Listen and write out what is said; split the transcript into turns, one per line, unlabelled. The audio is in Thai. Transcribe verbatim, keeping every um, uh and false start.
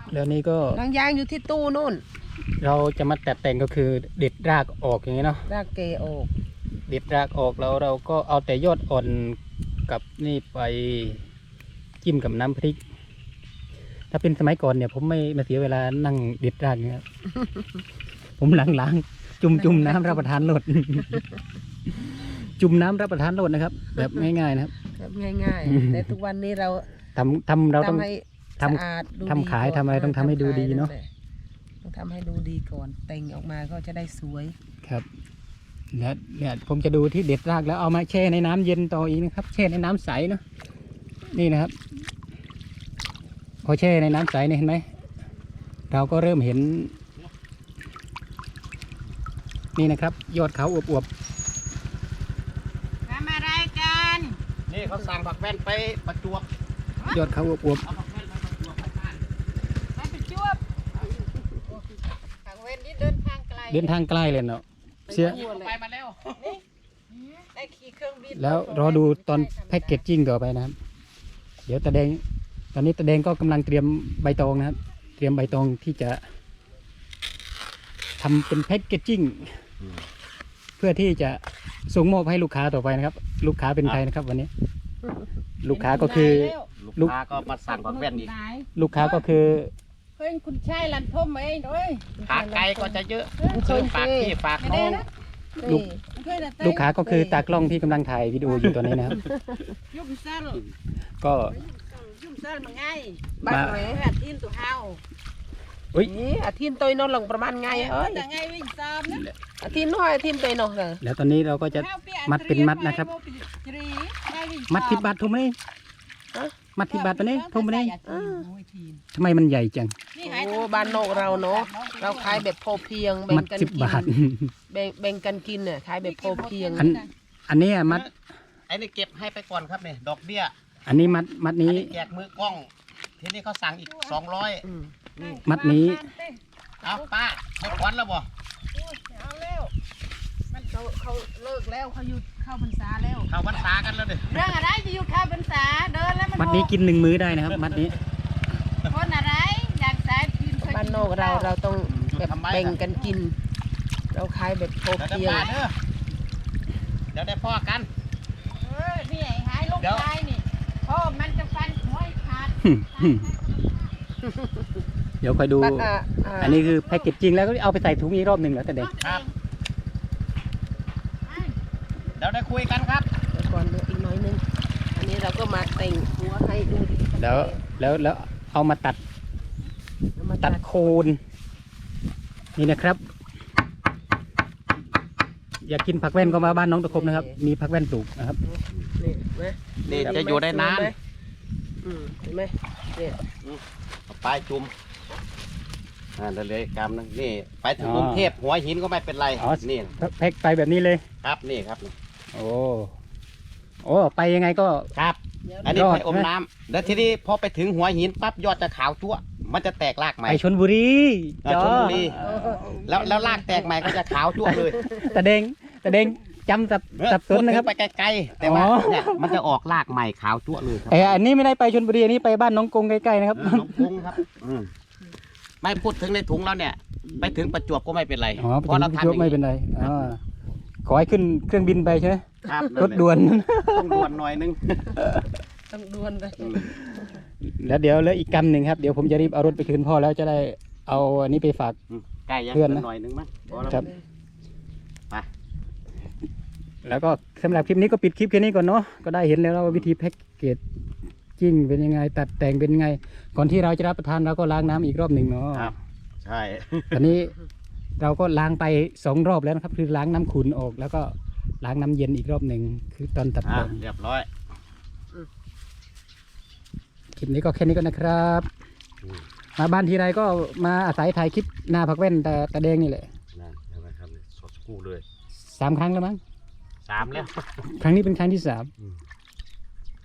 แล้วนี่ก็
หนังยางอยู่ที่ตู้นู่น
เราจะมาแต่แต่งก็คือเด็ดรากออกอย่างนี้เนาะ
รากเกออก
เด็ดรากออกแล้วเราก็เอาแต่ยอดอ่อนกับนี่ไปจิ้มกับน้ำพริกถ้าเป็นสมัยก่อนเนี่ยผมไม่มาเสียเวลานั่งเด็ดรากเนี่ย ผมล้างๆจุ่มจุ่มน้ำรับประทานโลด จุ่มน้ำรับประทานโลดนะครับ แบบง่ายๆนะครับ
แบบง่ายๆแต่ทุกวันนี้เรา
ทำทำเราต้อง
ทำสะอาดดูดี
ทำขายทำอะไรต้องทำให้ดูดีเนาะ
ต้องทำให้ดูดีก่อนแต่งออกมาก็จะได้สวย
ครับเนี่ยเนี่ยผมจะดูที่เด็ดรากแล้วเอามาแช่ในน้ำเย็นต่ออีกนะครับแช่ในน้ำใสเนาะนี่นะครับพอแช่ในน้ำใสเนี่ยเห็นไหมเราก็เริ่มเห็นนี่นะครับยอดเขาอวบ
ๆทำอะไรกัน
นี่เขาสั่งผักแว่นไปประจวบ
ยอดเขาอวบ
เอาผักแว่นไปประจวบไปบ้าน
ไปประจวบผักแว่นนี่เดินทางไกล
เดินทางใกล้เลยเนาะเสีย
ไปมาแล้ว
ได้ขี่เครื่องบิน
แล้วรอดูตอนแพ็กเกจจิ้งต่อไปนะครับเดี๋ยวตาแดงตอนนี้ตาแดงก็กำลังเตรียมใบตองนะครับเตรียมใบตองที่จะทำเป็นแพ็กเกจจิ้งเพื่อที่จะส่งมอบให้ลูกค้าต่อไปนะครับลูกค้าเป็นใครนะครับวันนี้ลูกค้าก็คือ
ลูกค้าก็มาสั่งผักแว่นอีก
ลูกค้าก็คือ
เฮ้ยคุณชายลันทมเองด้วย
ขาไกลก็จะเยอะคือฝากพี่ฝากน้อง
ลูกลูกค้าก็คือตากล้องที่กำลังถ่ายวิดีโออยู่ตอนนี้นะครับ
ยุ่มสั้น
ก็
ยุ่มสั้นมันง่ายบ้านไหนอาทินตัวเฮา
อุ้ย
อาทินตัวนอนหลังประมาณไงเอ้ยไงวิ่งซ้อมนะอาทินน้อยอาทินตัวนอนเลย
แล้วตอนนี้เราก็จะมัดเป็นมัดนะครับมัดทิบบาททุ่มเลยมัดทิบบาทไปนี่ทุ่มไปนี่ทำไมมันใหญ่จัง
โอ้บ้านนอกเราเนาะเราขายแบบพอเพียงแบ่งกันกินแบ่งกันกินเนี่ยขายแบบพอเพียง
อันอันนี้มัด
ไอ้นี่เก็บให้ไปก่อนครับเนี่ยดอกเบี้ย
อันนี้มัดมัดนี้
แจกมือกล้องทีนี้เขาสั่งอีกสองร้อย
มัดนี้
เอาป้าให้ควันแล้วบ่
เอาแล้วมันเขาเขาเลิกแล้วเขาหยุดเข้าพรรษาแล้ว
เข้าพรรษากันแล้วเด้อ
เรื่องอะไรจะหยุดเข้าพรรษาเดินแล้วมัน
มัดนี้กินหนึ่งมื้อได้นะครับมัดนี้
คนอะไรอยากสายกินบ้านนอกเราเราต้องแบบแบ่งกันกินเราขายแบบพอเพียง
เดี๋ยวได้พ่อกัน
เออนี่ไอ้หายลูกชายนี่พ่อมันจะฟันหัวขาด
เดี๋ยวคอยดูอันนี้คือแพ็กเกจจริงแล้วก็เอาไปใส่ถุงอีกรอบหนึ่งแล้วแต่เด็ก
ครับเดี๋ยวได้คุยกันครับ
เดี๋ยวก่อนอีกน้อยนึงอันนี้เราก็มาแต่งหัวให้ดูดี
แล้วแล้วแล้วเอามาตัดตัดโคนนี่นะครับอยากกินผักแว่นก็มาบ้านน้องตะคมนะครับมีผักแว่นปลูกนะครับ
นี่นี่จะอยู่ได้นาน
เห็นไหมเนี่ย
ปลายจุ่มอ่าเลยกำนึงนี่ไปถึงกรุงเทพหัวหินก็ไม่เป็นไรนี่
แพ็กไปแบบนี้เลย
ครับนี่ครับ
โอ้โอ้ไปยังไงก็
ครับอันนี้ไปอมน้ำแล้วทีนี้พอไปถึงหัวหินปั๊บยอดจะขาวจั่วมันจะแตกรากใหม่
ไปชลบุรี
ชลบุรีแล้วแล้วรากแตกใหม่ก็จะขาวจั่วเลย
แต่เด้งแต่เด้งจำสับสับสนนะครับ
ไปไกลๆแต่ว่าเนี่ยมันจะออกรากใหม่ขาวจั่วเลยครับ
ไอ้อันนี้ไม่ได้ไปชลบุรีอันนี้ไปบ้านน้องกงใกล้ๆนะครับ
น้องกงครับไม่พูดถึงในถุงแล้วเนี่ยไปถึงประจวบก็ไม่เป็นไร
เพราะเราทำไม่เป็นไรขอให้ขึ้นเครื่องบินไปใช่ไหม
ครับ
รถด่วน
ต้องด่วนหน่อยนึง
ต้องด่วนเลย
แล้วเดี๋ยวเหลืออีกกำหนึ่งครับเดี๋ยวผมจะรีบเอารถไปคืนพ่อแล้วจะได้เอาอันนี้ไปฝาก
เพื่อนหน่อยนึงมั้ง
ครับไปแล้วก็สำหรับคลิปนี้ก็ปิดคลิปแค่นี้ก่อนเนาะก็ได้เห็นแล้วว่าวิธีแพ็กเกจจิ้งเป็นยังไงตัดแต่งเป็นยังไงก่อนที่เราจะรับประทานเราก็ล้างน้ำอีกรอบหนึ่งเนาะ
ครับใช่
ตอนนี้เราก็ล้างไปสองรอบแล้วนะครับคือล้างน้ำขุ่นออกแล้วก็ล้างน้ำเย็นอีกรอบหนึ่งคือตอนตัดแต่ง
เรียบร้อย
คลิปนี้ก็แค่นี้ก็นะครับมาบ้านทีไรก็มาอาศัยถ่ายคลิปหน้าผักแว่นแต่ตะแดงนี่แหละ
นั่นนะครับสดกู้เลย
สามครั้งแล้วมั้ง
สามแล้ว
ครั้งนี้เป็นครั้งที่สาม